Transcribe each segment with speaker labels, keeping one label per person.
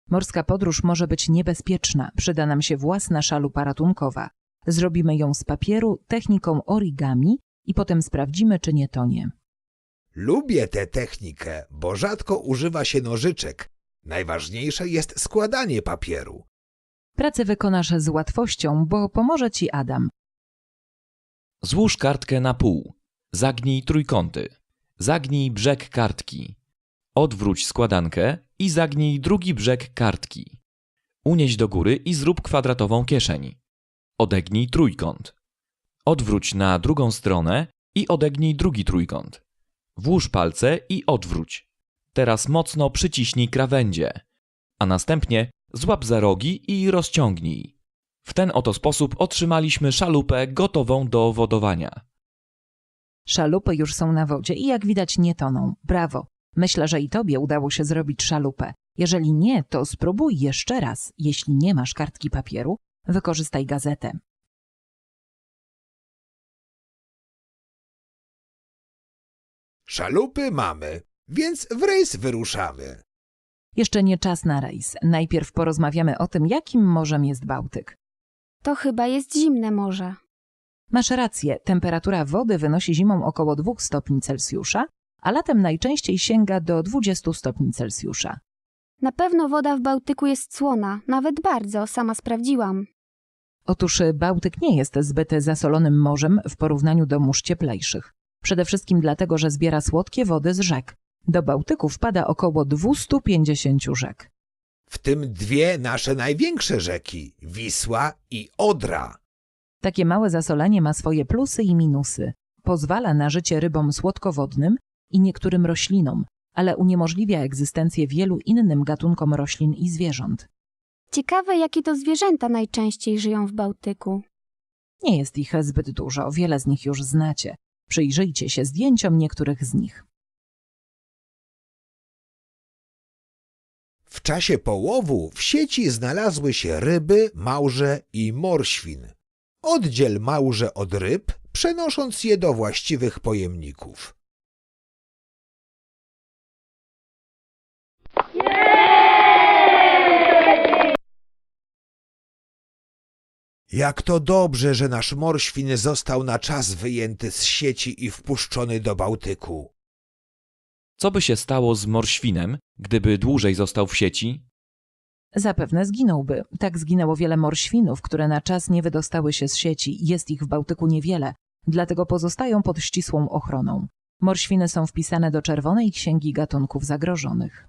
Speaker 1: Morska podróż może być niebezpieczna. Przyda nam się własna szalupa ratunkowa. Zrobimy ją z papieru techniką origami i potem sprawdzimy, czy nie tonie.
Speaker 2: Lubię tę technikę, bo rzadko używa się nożyczek. Najważniejsze jest składanie papieru.
Speaker 1: Pracę wykonasz z łatwością, bo pomoże ci Adam.
Speaker 3: Złóż kartkę na pół. Zagnij trójkąty. Zagnij brzeg kartki. Odwróć składankę i zagnij drugi brzeg kartki. Unieś do góry i zrób kwadratową kieszeń. Odegnij trójkąt. Odwróć na drugą stronę i odegnij drugi trójkąt. Włóż palce i odwróć. Teraz mocno przyciśnij krawędzie, a następnie złap za rogi i rozciągnij. W ten oto sposób otrzymaliśmy szalupę gotową do wodowania.
Speaker 1: Szalupy już są na wodzie i jak widać nie toną. Brawo! Myślę, że i tobie udało się zrobić szalupę. Jeżeli nie, to spróbuj jeszcze raz. Jeśli nie masz kartki papieru, wykorzystaj gazetę.
Speaker 2: Szalupy mamy, więc w rejs wyruszamy.
Speaker 1: Jeszcze nie czas na rejs. Najpierw porozmawiamy o tym, jakim morzem jest Bałtyk.
Speaker 4: To chyba jest zimne morze.
Speaker 1: Masz rację, temperatura wody wynosi zimą około 2 stopni Celsjusza, a latem najczęściej sięga do 20 stopni Celsjusza.
Speaker 4: Na pewno woda w Bałtyku jest słona, nawet bardzo, sama sprawdziłam.
Speaker 1: Otóż Bałtyk nie jest zbyt zasolonym morzem w porównaniu do mórz cieplejszych. Przede wszystkim dlatego, że zbiera słodkie wody z rzek. Do Bałtyku wpada około 250 rzek.
Speaker 2: W tym dwie nasze największe rzeki, Wisła i Odra.
Speaker 1: Takie małe zasolenie ma swoje plusy i minusy. Pozwala na życie rybom słodkowodnym i niektórym roślinom, ale uniemożliwia egzystencję wielu innym gatunkom roślin i zwierząt.
Speaker 4: Ciekawe, jakie to zwierzęta najczęściej żyją w Bałtyku.
Speaker 1: Nie jest ich zbyt dużo, wiele z nich już znacie. Przyjrzyjcie się zdjęciom niektórych z nich.
Speaker 2: W czasie połowu w sieci znalazły się ryby, małże i morświn. Oddziel małże od ryb, przenosząc je do właściwych pojemników. Jak to dobrze, że nasz morświn został na czas wyjęty z sieci i wpuszczony do Bałtyku.
Speaker 3: Co by się stało z morświnem, gdyby dłużej został w sieci?
Speaker 1: Zapewne zginąłby. Tak zginęło wiele morświnów, które na czas nie wydostały się z sieci. Jest ich w Bałtyku niewiele, dlatego pozostają pod ścisłą ochroną. Morświny są wpisane do Czerwonej Księgi Gatunków Zagrożonych.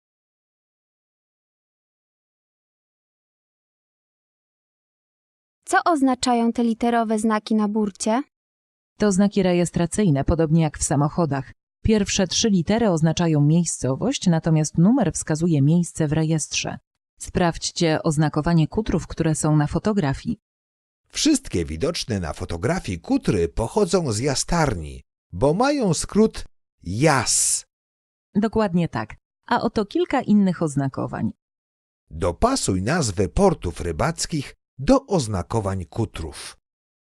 Speaker 4: Co oznaczają te literowe znaki na burcie?
Speaker 1: To znaki rejestracyjne, podobnie jak w samochodach. Pierwsze 3 litery oznaczają miejscowość, natomiast numer wskazuje miejsce w rejestrze. Sprawdźcie oznakowanie kutrów, które są na fotografii.
Speaker 2: Wszystkie widoczne na fotografii kutry pochodzą z jastarni, bo mają skrót JAS.
Speaker 1: Dokładnie tak. A oto kilka innych oznakowań.
Speaker 2: Dopasuj nazwy portów rybackich do oznakowań kutrów.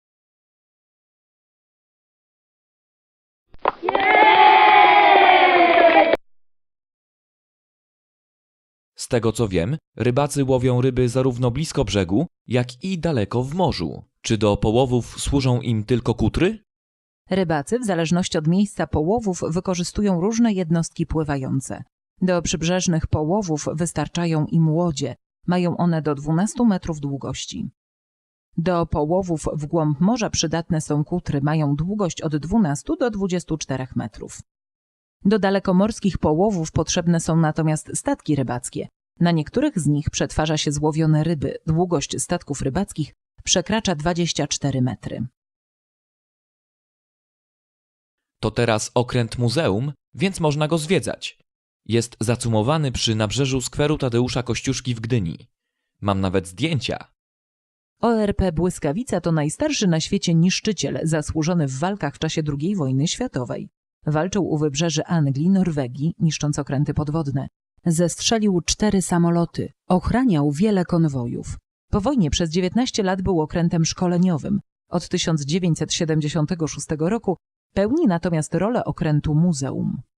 Speaker 3: Z tego co wiem, rybacy łowią ryby zarówno blisko brzegu, jak i daleko w morzu. Czy do połowów służą im tylko kutry?
Speaker 1: Rybacy, w zależności od miejsca połowów, wykorzystują różne jednostki pływające. Do przybrzeżnych połowów wystarczają im łodzie. Mają one do 12 metrów długości. Do połowów w głąb morza przydatne są kutry, mają długość od 12 do 24 metrów. Do dalekomorskich połowów potrzebne są natomiast statki rybackie. Na niektórych z nich przetwarza się złowione ryby. Długość statków rybackich przekracza 24 metry.
Speaker 3: To teraz okręt muzeum, więc można go zwiedzać. Jest zacumowany przy nabrzeżu skweru Tadeusza Kościuszki w Gdyni. Mam nawet zdjęcia.
Speaker 1: ORP Błyskawica to najstarszy na świecie niszczyciel zasłużony w walkach w czasie II wojny światowej. Walczył u wybrzeży Anglii, Norwegii, niszcząc okręty podwodne. Zestrzelił 4 samoloty. Ochraniał wiele konwojów. Po wojnie przez 19 lat był okrętem szkoleniowym. Od 1976 roku pełni natomiast rolę okrętu muzeum.